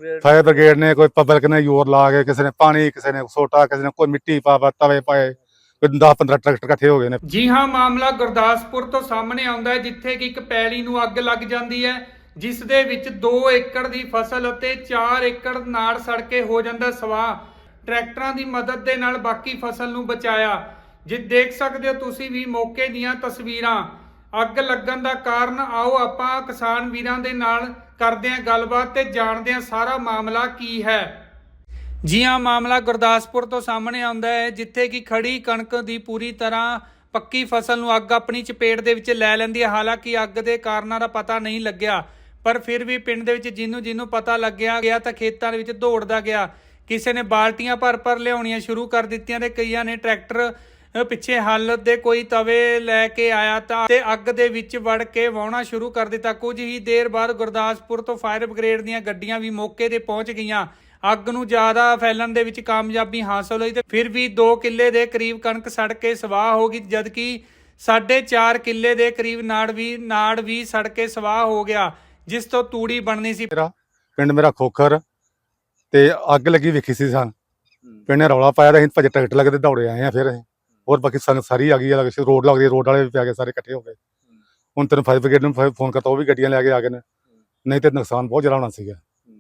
Fire brigade ने कोई public ने जोर ला के किसी ने पानी किसी ने सोटा किसी ने कोई मिट्टी पा तवे पाए 10-15 ट्रैक्टर इकट्ठे हो गए ने। जी हाँ, ਮਾਮਲਾ ਗੁਰਦਾਸਪੁਰ ਤੋਂ ਸਾਹਮਣੇ ਆਉਂਦਾ ਹੈ ਜਿੱਥੇ ਕਿ ਇੱਕ ਪੈਲੀ ਨੂੰ ਅੱਗ ਲੱਗ ਜਾਂਦੀ ਹੈ ਜਿਸ ਦੇ ਵਿੱਚ 2 ਏਕੜ ਦੀ ਫਸਲ ਅਤੇ 4 ਏਕੜ ਨਾੜ ਸੜ ਕੇ ਹੋ ਜਾਂਦਾ ਸਵਾਹ। ਟਰੈਕਟਰਾਂ ਦੀ ਮਦਦ ਦੇ ਨਾਲ ਬਾਕੀ ਫਸਲ ਨੂੰ ਬਚਾਇਆ। ਜੇ ਦੇਖ ਸਕਦੇ ਹੋ ਤੁਸੀਂ ਵੀ ਮੌਕੇ ਦੀਆਂ ਤਸਵੀਰਾਂ। ਅੱਗ ਲੱਗਣ ਦਾ ਕਾਰਨ ਆਓ ਆਪਾਂ ਕਿਸਾਨ ਵੀਰਾਂ ਦੇ ਨਾਲ ਕਰਦੇ ਹਾਂ ਗੱਲਬਾਤ ਤੇ ਜਾਣਦੇ ਹਾਂ ਸਾਰਾ ਮਾਮਲਾ ਕੀ ਹੈ। ਜੀ ਹਾਂ, ਮਾਮਲਾ ਗੁਰਦਾਸਪੁਰ ਤੋਂ ਸਾਹਮਣੇ ਆਉਂਦਾ ਹੈ ਜਿੱਥੇ ਕਿ ਖੜੀ ਕਣਕ ਦੀ ਪੂਰੀ ਤਰ੍ਹਾਂ ਪੱਕੀ ਫਸਲ ਨੂੰ ਅੱਗ ਆਪਣੀ ਚਪੇਟ ਦੇ ਵਿੱਚ ਲੈ ਲੈਂਦੀ ਹੈ। ਹਾਲਾਂਕਿ ਅੱਗ ਦੇ ਕਾਰਨਾਂ ਦਾ ਪਤਾ ਨਹੀਂ ਲੱਗਿਆ, ਪਰ ਫਿਰ ਵੀ ਪਿੰਡ ਦੇ ਵਿੱਚ ਜਿਹਨੂੰ ਪਤਾ ਲੱਗਿਆ ਗਿਆ ਤਾਂ ਖੇਤਾਂ ਦੇ ਵਿੱਚ ਦੌੜਦਾ ਗਿਆ। ਕਿਸੇ ਨੇ ਬਾਲਟੀਆਂ ਭਰ ਲਿਆਉਣੀਆਂ ਸ਼ੁਰੂ ਕਰ ਦਿੱਤੀਆਂ ਤੇ ਕਈਆਂ ਨੇ ਟਰੈਕਟਰ ਪਿੱਛੇ ਹੱਲ ਦੇ ਕੋਈ ਤਵੇ ਲੈ ਕੇ ਆਇਆ ਤਾਂ ਤੇ ਅੱਗ ਦੇ ਵਿੱਚ ਵੜ ਕੇ ਵਾਹੁਣਾ ਸ਼ੁਰੂ ਕਰ ਦਿੱਤਾ। ਕੁਝ ਹੀ ਦੇਰ ਬਾਅਦ ਗੁਰਦਾਸਪੁਰ ਤੋਂ ਫਾਇਰ ਬ੍ਰਿਗੇਡ ਦੀਆਂ ਗੱਡੀਆਂ ਵੀ ਮੌਕੇ ਤੇ ਪਹੁੰਚ ਗਈਆਂ। ਅੱਗ ਨੂੰ ਜ਼ਿਆਦਾ ਫੈਲਣ ਦੇ ਵਿੱਚ ਕਾਮਯਾਬੀ ਹਾਸਲ ਹੋਈ ਤੇ ਫਿਰ ਵੀ 2 ਕਿੱਲੇ ਦੇ ਕਰੀਬ ਕਣਕ ਸੜ ਕੇ ਸਵਾਹ ਹੋ ਗਈ, ਜਦਕਿ 4.5 ਕਿੱਲੇ ਦੇ ਕਰੀਬ ਨਾੜ ਵੀ ਸੜ ਕੇ ਸਵਾਹ ਹੋ ਗਿਆ, ਜਿਸ ਤੋਂ ਤੂੜੀ ਬਣਨੀ ਸੀ। ਪਿੰਡ ਮੇਰਾ ਖੋਖਰ ਤੇ ਅੱਗ ਲੱਗੀ ਵੇਖੀ ਸੀ ਸਾਂ। ਪਿੰਡ ਨੇ ਰੌਲਾ ਪਾਇਆ, ਅਸੀਂ ਭੱਜ ਟਰੈਕਟਰ ਲੱਗਦੇ ਦੌੜੇ ਆਏ ਆ। ਫਿਰ ਅਸੀਂ ਹੋਰ ਬਾਕੀ ਸੰਗਤ ਸਾਰੀ ਆ ਗਈ ਹੈ, ਰੋਡ ਲੱਗਦੀ, ਰੋਡ ਵਾਲੇ ਵੀ ਪੈ ਗਏ, ਸਾਰੇ ਇਕੱਠੇ ਹੋ ਗਏ। ਹੁਣ ਤੈਨੂੰ ਫਾਇਰ ਬ੍ਰਿਗੇਡ ਨੂੰ ਫੋਨ ਕਰਤਾ, ਉਹ ਵੀ ਗੱਡੀਆਂ ਲੈ ਕੇ ਆ ਗਏ ਨੇ, ਨਹੀਂ ਤੇ ਨੁਕਸਾਨ ਬਹੁਤ ਜ਼ਿਆਦਾ ਹੋਣਾ ਸੀਗਾ।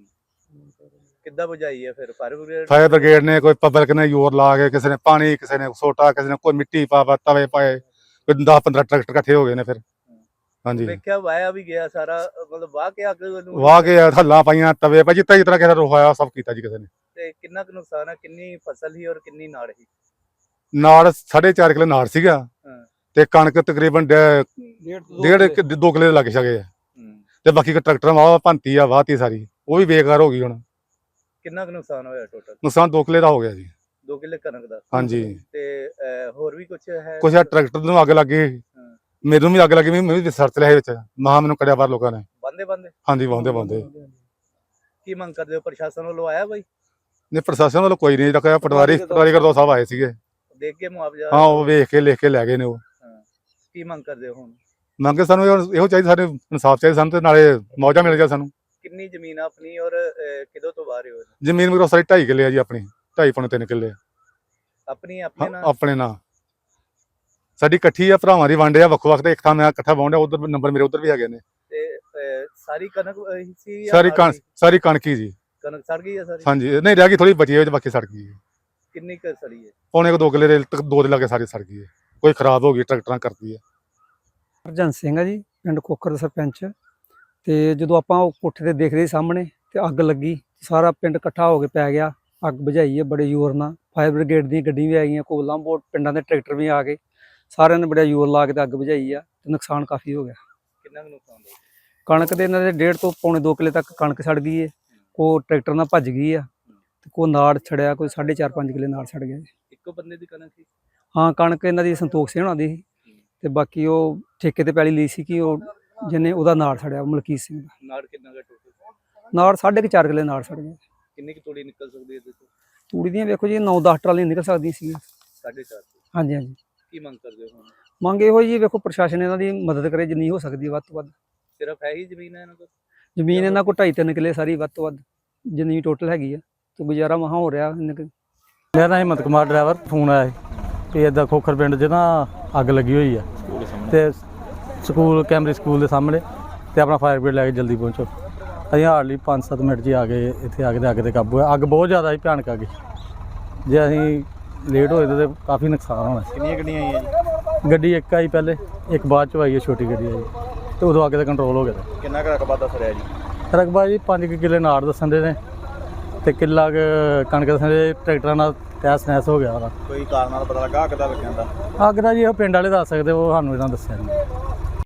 ਕਿੱਦਾਂ ਬੁਝਾਈ ਹੈ ਫਿਰ ਫਾਇਰ ਬ੍ਰਿਗੇਡ ਨੇ ਕੋਈ ਪਬਲਿਕ ਨੇ ਜ਼ੋਰ ਲਾ ਕੇ ਕਿਸੇ ਨੇ ਪਾਣੀ ਕਿਸੇ ਨੇ ਸੋਟਾ ਕਿਸੇ ਨੇ ਕੋਈ ਮਿੱਟੀ ਪਾ ਤਵੇ ਪਾਏ 10-15 ਟਰੈਕਟਰ ਇਕੱਠੇ ਹੋ ਗਏ ਨੇ। ਫਿਰ ਹਾਂਜੀ ਵੇਖਿਆ ਵਾਇਆ ਵੀ ਗਿਆ ਸਾਰਾ, ਮਤਲਬ ਵਾਹ ਕੇ ਅੱਗ ਨੂੰ ਵਾਹ ਕੇ ਹੱਲਾਂ ਪਾਈਆਂ ਤਵੇ ਪਾ ਜਿੱਦਾਂ ਕਿਸੇ ਦਾ ਰੋਹਾਇਆ ਸਭ ਕੀਤਾ ਜੀ ਕਿਸੇ ਨੇ। ਤੇ ਕਿੰਨਾ ਕੁ ਨੁਕਸਾਨ ਹੈ, ਕਿੰਨੀ ਫਸਲ ਸੀ ਔਰ ਕਿੰਨੀ ਨਾੜ ਸੀ? ਨਾੜ 4.5 ਕਿੱਲੇ ਨਾੜ ਸੀਗਾ ਤੇ ਕਣਕ ਤਕਰੀਬਨ 1.5-2 ਕਿੱਲੇ ਲੱਗ ਸਕੇ ਤੇ ਬਾਕੀ ਟਰੈਕਟਰ ਵਾਹ ਭੰਤੀ ਆ ਵਾਹਤੀ ਸਾਰੀ, ਉਹ ਵੀ ਬੇਕਾਰ ਹੋ ਗਈ। ਹੁਣ ਕਿੰਨਾ ਕੁ ਨੁਕਸਾਨ ਹੋਇਆ ਟੋਟਲ? ਨੁਕਸਾਨ 2 ਕਿੱਲੇ ਦਾ ਹੋ ਗਿਆ ਜੀ। 2 ਕਿੱਲੇ ਕਣਕ ਦਾ? ਹਾਂਜੀ। ਤੇ ਹੋਰ ਵੀ ਕੁਝ ਹੈ? ਕੁਛ ਟਰੈਕਟਰ ਨੂੰ ਅੱਗ ਲੱਗ ਗਈ, ਮੈਨੂੰ ਵੀ ਅੱਗ ਲੱਗੀ, ਮੈਂ ਵੀ ਸਰਚ ਲਿਆ ਵਿੱਚ ਮਹਾ ਮੈਨੂੰ ਕੜਿਆ ਬਾਹਰ ਲੋਕਾਂ ਨੇ ਬੰਦੇ ਹਾਂਜੀ ਵਾਹੁੰਦੇ। ਕੀ ਮੰਗ ਕਰਦੇ ਹੋ, ਪ੍ਰਸ਼ਾਸਨ ਵੱਲੋਂ ਆਇਆ ਬਾਈ? ਨਹੀਂ, ਪ੍ਰਸ਼ਾਸਨ ਵੱਲੋਂ ਕੋਈ ਨਹੀਂ ਰੱਖਿਆ। ਪਟਵਾਰੀ ਕਰਦੋ ਸਾਹਿਬ ਆਏ ਸੀਗੇ, ਦੇਖ ਕੇ ਮੁਆਵਜ਼ਾ? ਹਾਂ, ਉਹ ਵੇਖ ਕੇ ਲਿਖ ਕੇ ਲੈ ਗਏ ਨੇ। ਉਹ ਕੀ ਮੰਗ ਕਰਦੇ ਹੋ ਹੁਣ? ਮੰਗੇ ਸਾਨੂੰ ਇਹੋ ਚਾਹੀਦਾ, ਸਾਡੇ ਇਨਸਾਫ ਚਾਹੀਦਾ ਸਾਨੂੰ, ਤੇ ਨਾਲੇ ਮੌਜਾ ਮਿਲ ਜਾ ਸਾਨੂੰ। ਕਿੰਨੀ ਜ਼ਮੀਨ ਆਪਣੀ ਔਰ ਕਿਦੋਂ ਤੋਂ ਬਾਹਰ ਹੋ? ਜ਼ਮੀਨ ਮੇਰੀ ਸਾਰੀ 2.5 ਕਿੱਲੇ ਆ ਜੀ, ਆਪਣੀ 2.5-3 ਕਿੱਲੇ ਆਪਣੀ ਆਪਣੇ ਨਾਲ ਸਾਡੀ ਇਕੱਠੀ ਆ, ਭਰਾਵਾਂ ਦੀ ਵੰਡ ਆ, ਵੱਖੋ ਵੱਖ ਤੇ ਇੱਕ ਥਾਂ ਮੈਂ ਇਕੱਠਾ ਵਾਹੁੰਦਾ, ਉਧਰ ਨੰਬਰ ਮੇਰੇ ਉਧਰ ਵੀ ਹੈਗੇ ਨੇ। ਤੇ ਸਾਰੀ ਕਣਕ ਸੀ? ਸਾਰੀ ਕਣਕ ਹੀ ਜੀ। ਕਣਕ ਸੜ ਗਈ ਹੈ ਸਾਰੀ? ਹਾਂਜੀ, ਨਹੀਂ ਰਹਿ ਗਈ ਥੋੜੀ ਬਚੀ ਹੈ, ਬਾਕੀ ਸੜ ਗਈ। ਕਿੰਨੀ ਕੁ ਸੜੀ ਹੈ? ਪੌਣੇ 2 ਕਿੱਲੇ ਦੇ 2 ਦੇ ਲਾਗੇ ਸਾਰੀ ਸੜ ਗਈ ਹੈ, ਕੋਈ ਖਰਾਬ ਹੋ ਗਈ ਟਰੈਕਟਰਾਂ ਕਰਦੀ ਹੈ। ਹਰਜਨ ਸਿੰਘ ਆ ਜੀ, ਪਿੰਡ ਖੋਖਰ ਦਾ ਸਰਪੰਚ। ਤੇ ਜਦੋਂ ਆਪਾਂ ਉਹ ਕੋਠੇ ਤੇ ਦੇਖ ਰਹੇ ਸਾਹਮਣੇ ਤੇ ਅੱਗ ਲੱਗੀ, ਸਾਰਾ ਪਿੰਡ ਇਕੱਠਾ ਹੋ ਕੇ ਪੈ ਗਿਆ। ਅੱਗ ਬੁਝਾਈ ਹੈ ਬੜੇ ਜ਼ੋਰ ਨਾਲ, ਫਾਇਰ ਬ੍ਰਿਗੇਡ ਦੀਆਂ ਗੱਡੀਆਂ ਵੀ ਆ ਗਈਆਂ, ਕੋਲਾਂ ਬੋਟ ਪਿੰਡਾਂ ਦੇ ਟਰੈਕਟਰ ਵੀ ਆ ਗਏ, ਸਾਰਿਆਂ ਨੇ ਬੜਾ ਜ਼ੋਰ ਲਾ ਕੇ ਤੇ ਅੱਗ ਬੁਝਾਈ ਆ ਤੇ ਨੁਕਸਾਨ ਕਾਫੀ ਹੋ ਗਿਆ। ਕਿੰਨਾ ਕੁ ਨੁਕਸਾਨ ਹੋਇਆ? ਕਣਕ ਦੇ ਇਹਨਾਂ ਦੇ 1.5 ਤੋਂ ਪੌਣੇ 2 ਕਿੱਲੇ ਤੱਕ ਕਣਕ ਸੜ ਗਈ ਹੈ, ਕੋ ਟਰੈਕਟਰ ਨਾਲ ਭੱਜ ਗਈ ਆ ਤੇ ਕੋ ਨਾੜ ਛੜਿਆ, ਕੋਈ 4.5-5 ਕਿੱਲੇ ਨਾੜ ਛੜ ਗਿਆ। ਇੱਕੋ ਬੰਦੇ ਦੀ ਕਣਕ ਸੀ? ਹਾਂ, ਕਣਕ ਇਹਨਾਂ ਦੀ ਸੰਤੋਖ ਸਿੰਘ ਹੋਣਾ ਦੀ ਸੀ ਤੇ ਬਾਕੀ ਉਹ ਠੇਕੇ ਤੇ ਪੈਲੀ ਲਈ ਸੀ ਕਿ ਉਹ ਜਿਹਨੇ ਉਹਦਾ ਨਾੜ ਛੜਿਆ, ਮਲਕੀਤ ਸਿੰਘ ਦਾ। ਨਾੜ ਕਿੰਨਾ ਕੁ ਟੋਟਲ? ਨਾੜ 4.5 ਕਿੱਲੇ ਨਾੜ ਛੜ ਗਿਆ। ਕਿੰਨੀ ਕੁ ਤੂੜੀ ਨਿਕਲ ਸਕਦੀ ਹੈ ਇਹਦੇ ਤੋਂ? ਤੂੜੀ ਦੀਆਂ ਵੇਖੋ ਜੀ 9-10 ਟਰਾਲੀਆਂ ਨਿਕਲ ਸਕਦੀਆਂ ਸੀ। 4.5? ਹਾਂਜੀ। ਕੀ ਮੰਗ ਕਰਦੇ ਹੋ ਹੁਣ? ਮੰਗ ਇਹੋ ਜੀ, ਵੇਖੋ ਪ੍ਰਸ਼ਾਸਨ ਇਹਨਾਂ ਦੀ ਮਦਦ ਕਰੇ ਜਿੰਨੀ ਹੋ ਸਕਦੀ ਵੱਧ ਤੋਂ ਵੱਧ। ਸਿਰਫ ਹੈ ਹੀ ਜ਼ਮੀਨ ਹੈ ਇਹਨਾਂ ਕੋਲ? ਜ਼ਮੀਨ ਇਹਨਾਂ ਕੋਲ 2.5-3 ਕਿੱਲੇ ਸਾਰੀ ਵੱਧ ਤੋਂ ਵੱਧ ਜਿੰਨੀ ਟੋਟਲ ਹੈਗੀ ਆ, ਤੇ ਗੁਜ਼ਾਰਾ ਮਹਾ ਹੋ ਰਿਹਾ। ਮੇਰਾ ਨਾਮ ਹਿੰਮਤ ਕੁਮਾਰ, ਡਰਾਈਵਰ। ਫੋਨ ਆਇਆ ਕਿ ਇੱਦਾਂ ਖੋਖਰ ਪਿੰਡ 'ਚ ਨਾ ਅੱਗ ਲੱਗੀ ਹੋਈ ਆ ਤੇ ਸਕੂਲ ਕੈਮਰੀ ਸਕੂਲ ਦੇ ਸਾਹਮਣੇ, ਤੇ ਆਪਣਾ ਫਾਇਰ ਬ੍ਰਿਗੇਡ ਲੈ ਕੇ ਜਲਦੀ ਪਹੁੰਚੋ। ਅਸੀਂ ਹਾਰਡਲੀ 5-7 ਮਿੰਟ 'ਚ ਆ ਗਏ ਇੱਥੇ, ਆ ਕੇ ਤੇ ਅੱਗ 'ਤੇ ਕਾਬੂ ਹੋਇਆ। ਅੱਗ ਬਹੁਤ ਜ਼ਿਆਦਾ ਸੀ, ਭਿਆਨਕ ਅੱਗ। ਜੇ ਅਸੀਂ ਲੇਟ ਹੋਏ ਤਾਂ ਕਾਫੀ ਨੁਕਸਾਨ ਹੋਣਾ ਸੀ। ਕਿੰਨੀਆਂ ਗੱਡੀਆਂ ਆਈਆਂ ਜੀ? ਗੱਡੀ ਇੱਕ ਆਈ ਪਹਿਲੇ, ਇੱਕ ਬਾਅਦ 'ਚ ਆਈ ਹੈ, ਛੋਟੀ ਗੱਡੀ ਆਈ, ਤੇ ਉਦੋਂ ਅੱਗ 'ਤੇ ਕੰਟਰੋਲ ਹੋ ਗਿਆ। ਕਿੰਨਾ ਕੁ ਰਕਬਾ ਦੱਸ ਰਿਹਾ ਜੀ? ਰਕਬਾ ਜੀ 5 ਕਿੱਲੇ ਨਾੜ ਦੱਸਣ ਦੇ ਨੇ ਤੇ ਕਿੱਲਾ ਕਣਕ ਦੱਸਣ ਦੇ। ਟਰੈਕਟਰਾਂ ਨਾਲ ਤਹਿਸ ਨਹਿਸ ਹੋ ਗਿਆ ਉਹਦਾ। ਕੋਈ ਕਾਰਨ ਨਾਲ ਪਤਾ ਲੱਗਾ ਅੱਗ ਦਾ ਲੱਗਣ ਦਾ? ਅੱਗ ਦਾ ਜੀ ਉਹ ਪਿੰਡ ਵਾਲੇ ਦੱਸ ਸਕਦੇ, ਉਹ ਸਾਨੂੰ ਇਹਨਾਂ ਦੱਸਿਆ ਨਹੀਂ।